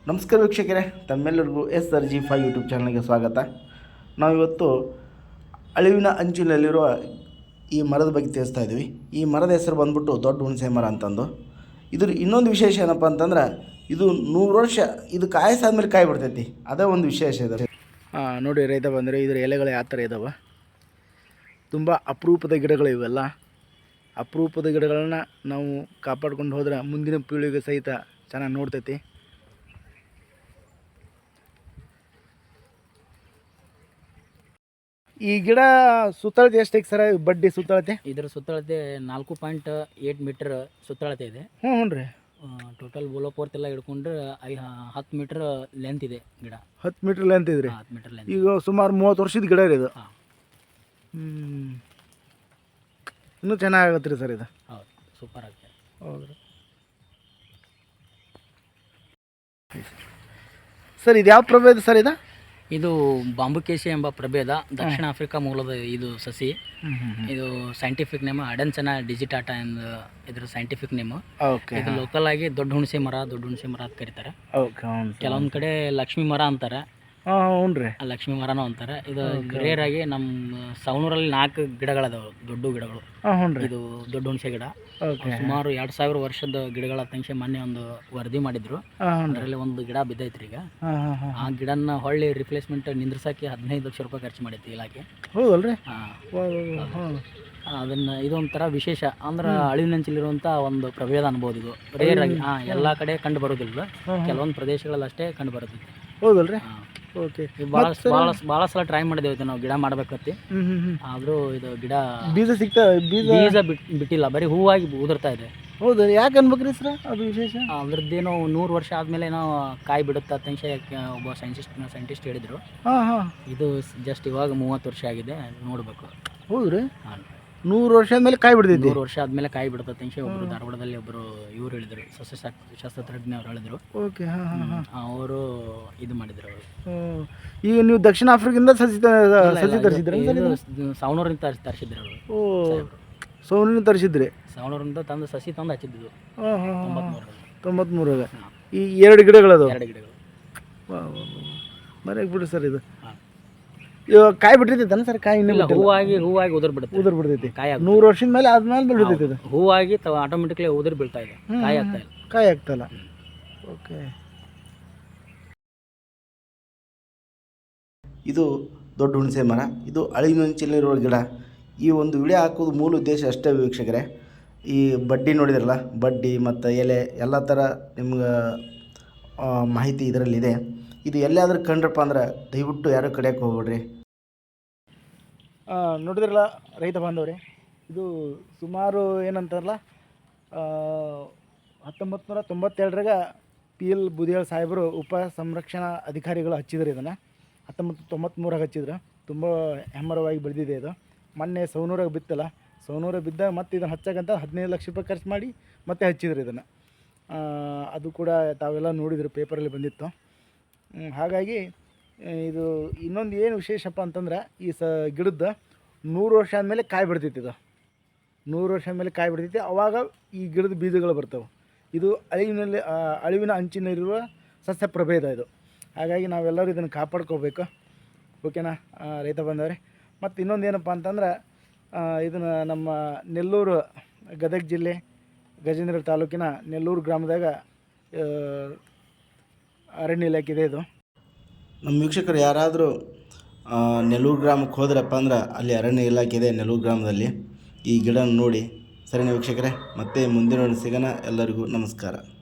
ನಮಸ್ಕಾರ ವೀಕ್ಷಕರೇ, ತಮ್ಮೆಲ್ಲರಿಗೂ SRG5 ಯೂಟ್ಯೂಬ್ ಚಾನಲ್ಗೆ ಸ್ವಾಗತ. ನಾವಿವತ್ತು ಅಳಿವಿನ ಅಂಚಿನಲ್ಲಿರುವ ಈ ಮರದ ಬಗ್ಗೆ ತಿಳಿಸ್ತಾ ಇದ್ದೀವಿ. ಈ ಮರದ ಹೆಸರು ಬಂದ್ಬಿಟ್ಟು ದೊಡ್ಡ ಹುಣಸೆ ಮರ ಅಂತಂದು. ಇದ್ರ ಇನ್ನೊಂದು ವಿಶೇಷ ಏನಪ್ಪ ಅಂತಂದ್ರೆ, ಇದು 100 ವರ್ಷ ಇದು ಕಾಯಿಸಾದ್ಮೇಲೆ ಕಾಯಿ ಬಿಡ್ತೈತಿ. ಅದೇ ಒಂದು ವಿಶೇಷ ಇದೆ. ನೋಡಿ ರೈತ ಬಂದರೆ ಇದರ ಎಲೆಗಳು ಯಾವ ಥರ ಇದ್ದಾವೆ. ತುಂಬ ಅಪರೂಪದ ಗಿಡಗಳು ಇವೆಲ್ಲ. ಅಪರೂಪದ ಗಿಡಗಳನ್ನ ನಾವು ಕಾಪಾಡ್ಕೊಂಡು ಹೋದ್ರೆ ಮುಂದಿನ ಪೀಳಿಗೆ ಸಹಿತ ಚೆನ್ನಾಗಿ ನೋಡ್ತೈತಿ. ಈ ಗಿಡ ಸುತ್ತಳತೆ ಎಷ್ಟೈತೆ ಸರ್? ಬಡ್ಡಿ ಸುತ್ತಳತೆ ಇದರ ಸುತ್ತಳತೆ 4.8 ಮೀಟರ್ ಸುತ್ತಳತೆ ಇದೆ. ಹ್ಞೂ ರೀ. ಟೋಟಲ್ ಬೋಲೋಪೋರ್ತ್ ಎಲ್ಲ ಹಿಡ್ಕೊಂಡ್ರೆ 10 ಮೀಟರ್ ಲೆಂತ್ ಇದೆ ಗಿಡ. 10 ಮೀಟರ್ ಲೆಂತ್ ಇದೆ ರೀ. 10 ಮೀಟರ್ ಲೆಂತ್. ಈಗ ಸುಮಾರು 30 ವರ್ಷದ ಗಿಡ ರೀ ಇದು. ಇನ್ನೂ ಚೆನ್ನಾಗತ್ತೆ ರೀ ಸರ್ ಇದು. ಹೌದು, ಸೂಪರ್ ಆಗುತ್ತೆ. ಹೌದು ಸರ್, ಇದು ಯಾವ ಪ್ರಭೇದ ಸರ್ ಇದು? ಇದು ಬಾಂಬುಕೇಶಿ ಎಂಬ ಪ್ರಭೇದ, ದಕ್ಷಿಣ ಆಫ್ರಿಕಾ ಮೂಲದ ಇದು ಸಸಿ. ಇದು ಸೈಂಟಿಫಿಕ್ ನೇಮ್ ಅಡೆನ್ಸೆನಾ ಡಿಜಿಟಾಟಾ ಎಂದು ಇದ್ರ ಸೈಂಟಿಫಿಕ್ ನೇಮ್. ಇದು ಲೋಕಲ್ ಆಗಿ ದೊಡ್ಡ ಹುಣಸೆ ಮರ ಅಂತ ಕರೀತಾರೆ. ಕೆಲವೊಂದು ಕಡೆ ಲಕ್ಷ್ಮಿ ಮರ ಅಂತಾರೆ. ಲಕ್ಷ್ಮಿ ಮರನೂ ಅಂತಾರೆ. ಇದು ರೇರ್ ಆಗಿ ನಮ್ಮ ಸವಣೂರಲ್ಲಿ 4 ಗಿಡಗಳದಾವೆ, ದೊಡ್ಡ ಗಿಡಗಳು. ಇದು ದೊಡ್ಡ ಹುಣಸೆ ಗಿಡ ಸುಮಾರು 2000 ವರ್ಷದ ಗಿಡಗಳ ತಂಕ್ಷೆ ಮೊನ್ನೆ ಒಂದು ವರದಿ ಮಾಡಿದ್ರು. ಅದರಲ್ಲಿ ಒಂದು ಗಿಡ ಬಿದ್ದೈತ್ರಿ. ಈಗ ಆ ಗಿಡನ ಹೊಳ್ಳಿ ರಿಪ್ಲೇಸ್ಮೆಂಟ್ ನಿಂದ್ರಸಕ್ಕೆ 15 ಲಕ್ಷ ರೂಪಾಯಿ ಖರ್ಚು ಮಾಡೈತಿ ಇಲಾಖೆ. ಹೌದಲ್ರಿ? ಅದನ್ನ ಇದೊಂಥರ ವಿಶೇಷ ಅಂದ್ರೆ ಅಳಿವಿನಂಚಿಲಿರುವಂಥ ಒಂದು ಪ್ರಭೇದ ಅನ್ಬೋದು. ಇದು ರೇರ್ ಆಗಿ ಎಲ್ಲ ಕಡೆ ಕಂಡು ಬರೋದಿಲ್ಲ, ಕೆಲವೊಂದು ಪ್ರದೇಶಗಳಲ್ಲಿ ಅಷ್ಟೇ ಕಂಡು ಬರುತ್ತೆ. ಹೌದಲ್ರಿ? ಓಕೆ. ಭಾಳ ಸಲ ಟ್ರೈ ಮಾಡಿದೇವೆ ನಾವು ಗಿಡ ಮಾಡ್ಬೇಕತ್ತಿ. ಆದರೂ ಇದು ಗಿಡ ಬೀಜ ಬೀಜ ಬಿಟ್ಟಿಲ್ಲ, ಬರೀ ಹೂವಾಗಿ ಉದುರ್ತಾ ಇದೆ. ಹೌದು, ಯಾಕೆ ಅನ್ಬೇಕ್ರಿ ಸರ್ ಅದು ವಿಶೇಷ? ಅದ್ರದ್ದೇನೋ 100 ವರ್ಷ ಆದಮೇಲೆ ನಾವು ಕಾಯಿ ಬಿಡುತ್ತೆ ಅಂತ ಒಬ್ಬ ಸೈಂಟಿಸ್ಟ್ ಹೇಳಿದರು. ಇದು ಜಸ್ಟ್ ಇವಾಗ 30 ವರ್ಷ ಆಗಿದೆ, ನೋಡಬೇಕು. ಹೌದು ರೀ? 100 ವರ್ಷ ಆದಮೇಲೆ ಕಾಯಿ ಬಿಡ್ತೈತಿ. 100 ವರ್ಷ ಆದಮೇಲೆ ಕಾಯಿ ಬಿಡುತ್ತೆ ಅಂತ ಒಬ್ಬರು ಧಾರವಾಡದಲ್ಲಿ ಒಬ್ಬರು ಇವ್ರು ಹೇಳಿದರು, ಸಸ್ಯಶಾಸ್ತ್ರಜ್ಞ ಅವ್ರು ಹೇಳಿದರು. ಓಕೆ. ಅವರು ಇದು ಮಾಡಿದ್ರು. ಈಗ ನೀವು ದಕ್ಷಿಣ ಆಫ್ರಿಕಾದಿಂದ ಸಸಿ ತರಿಸಿದ್ರಿ? ಸವಣೂರಿಂದ ತರಿಸಿದ್ರು ಅವರು. ಸವಣೂರಿಂದ ತರಿಸಿದ್ರಿ? ಸವಣೂರಿಂದ ತಂದು ಸಸಿ ತಂದು ಹಚ್ಚಿದ್ದು 93. ಈ 2 ಗಿಡಗಳದು? 2 ಗಿಡಗಳು. ಮನೆಗೆ ಬಿಡ್ರಿ ಸರ್. ಇದು ಇವಾಗ ಕಾಯಿ ಬಿಟ್ಟಿರ್ತೈತೆ ಸರ್? ಕಾಯಿ ಇಲ್ಲ, ಹೂವಾಗಿ ಉದುರ್ ಬಿಡ್ತೈತಿ. ಕಾಯಿ 100 ವರ್ಷದ ಮೇಲೆ ಆದ್ಮೇಲೆ ಬಿಡ್ತೈತಿ. ಇದು ಹೂವಾಗಿ ಆಟೋಮೆಟಿಕ್ಲಿ ಉದುರ್ ಬೀಳ್ತಾ ಇದೆ, ಕಾಯಿ ಆಗ್ತಾಯಿಲ್ಲ. ಓಕೆ. ಇದು ದೊಡ್ಡ ಹುಣಸೆ ಮರ. ಇದು ಅಳಿವಿನಂಚಿನಲ್ಲಿರುವ ಗಿಡ. ಈ ಒಂದು ವಿಡಿಯೋ ಹಾಕೋದು ಮೂಲ ಉದ್ದೇಶ ಅಷ್ಟೇ ವೀಕ್ಷಕರೇ. ಈ ಬಡ್ಡಿ ನೋಡಿದ್ರಲ್ಲ, ಬಡ್ಡಿ ಮತ್ತು ಎಲೆ ಎಲ್ಲ ಥರ ನಿಮ್ಗೆ ಮಾಹಿತಿ ಇದರಲ್ಲಿದೆ. ಇದು ಎಲ್ಲಾದರೂ ಕಂಡ್ರಪ್ಪ ಅಂದ್ರೆ ದಯವಿಟ್ಟು ಯಾರೂ ಕಡಿಯೋಕ್ಕೆ ಹೋಗ್ಬೇಡ್ರಿ. ನೋಡಿದ್ರಲ್ಲ ರೈತ ಬಾಂಧವ್ರೆ, ಇದು ಸುಮಾರು ಏನಂತಾರಲ್ಲ 1992 PL ಬುದಿಯಾಳ್ ಸಾಹೇಬರು ಉಪ ಸಂರಕ್ಷಣಾ ಅಧಿಕಾರಿಗಳು ಹಚ್ಚಿದ್ರು. ಇದನ್ನು 1993 ಹಚ್ಚಿದ್ರು. ತುಂಬ ಹೆಮ್ಮರವಾಗಿ ಬೆಳೆದಿದೆ ಇದು. ಮೊನ್ನೆ ಸವಣೂರಾಗ ಬಿತ್ತಲ್ಲ, ಸವಣೂರಾಗ ಬಿದ್ದಾಗ ಮತ್ತೆ ಇದನ್ನು ಹಚ್ಚಕ್ಕಂತ 15 ಲಕ್ಷ ರೂಪಾಯಿ ಖರ್ಚು ಮಾಡಿ ಮತ್ತೆ ಹಚ್ಚಿದ್ರು ಇದನ್ನು. ಅದು ಕೂಡ ತಾವೆಲ್ಲ ನೋಡಿದ್ರು, ಪೇಪರಲ್ಲಿ ಬಂದಿತ್ತು. ಹಾಗಾಗಿ ಇದು ಇನ್ನೊಂದು ಏನು ವಿಶೇಷಪ್ಪ ಅಂತಂದ್ರೆ, ಈ ಗಿಡದ 100 ವರ್ಷ ಆದಮೇಲೆ ಕಾಯಿ ಬಿಡ್ತೈತಿ. ಇದು 100 ವರ್ಷ ಆದಮೇಲೆ ಕಾಯಿ ಬಿಡ್ತೈತಿ. ಆವಾಗ ಈ ಗಿಡದ ಬೀಜಗಳು ಬರ್ತವೆ. ಇದು ಅಳಿವಿನ ಅಂಚಿನಲ್ಲಿರುವ ಸಸ್ಯ ಪ್ರಭೇದ ಇದು. ಹಾಗಾಗಿ ನಾವೆಲ್ಲರೂ ಇದನ್ನು ಕಾಪಾಡ್ಕೋಬೇಕು. ಓಕೆನಾ ರೈತ ಬಂದವ್ರೆ? ಮತ್ತು ಇನ್ನೊಂದು ಏನಪ್ಪ ಅಂತಂದ್ರೆ, ಇದನ್ನು ನಮ್ಮ ನೆಲ್ಲೂರು, ಗದಗ ಜಿಲ್ಲೆ ಗಜೇಂದ್ರ ತಾಲೂಕಿನ ನೆಲ್ಲೂರು ಗ್ರಾಮದಾಗ ಅರಣ್ಯ ಇಲಾಖೆ ಇದೆ. ಇದು ನಮ್ಮ ವೀಕ್ಷಕರು ಯಾರಾದರೂ ನೆಲ್ಲೂರು ಗ್ರಾಮಕ್ಕೆ ಹೋದ್ರಪ್ಪ ಅಂದ್ರೆ ಅಲ್ಲಿ ಅರಣ್ಯ ಇಲಾಖೆ ಇದೆ ನೆಲ್ಲೂರು ಗ್ರಾಮದಲ್ಲಿ. ಈ ಗಿಡ ನೋಡಿ. ಸರಿನಾ ವೀಕ್ಷಕರೇ? ಮತ್ತೆ ಮುಂದಿನ ಸಿಗೋಣ. ಎಲ್ಲರಿಗೂ ನಮಸ್ಕಾರ.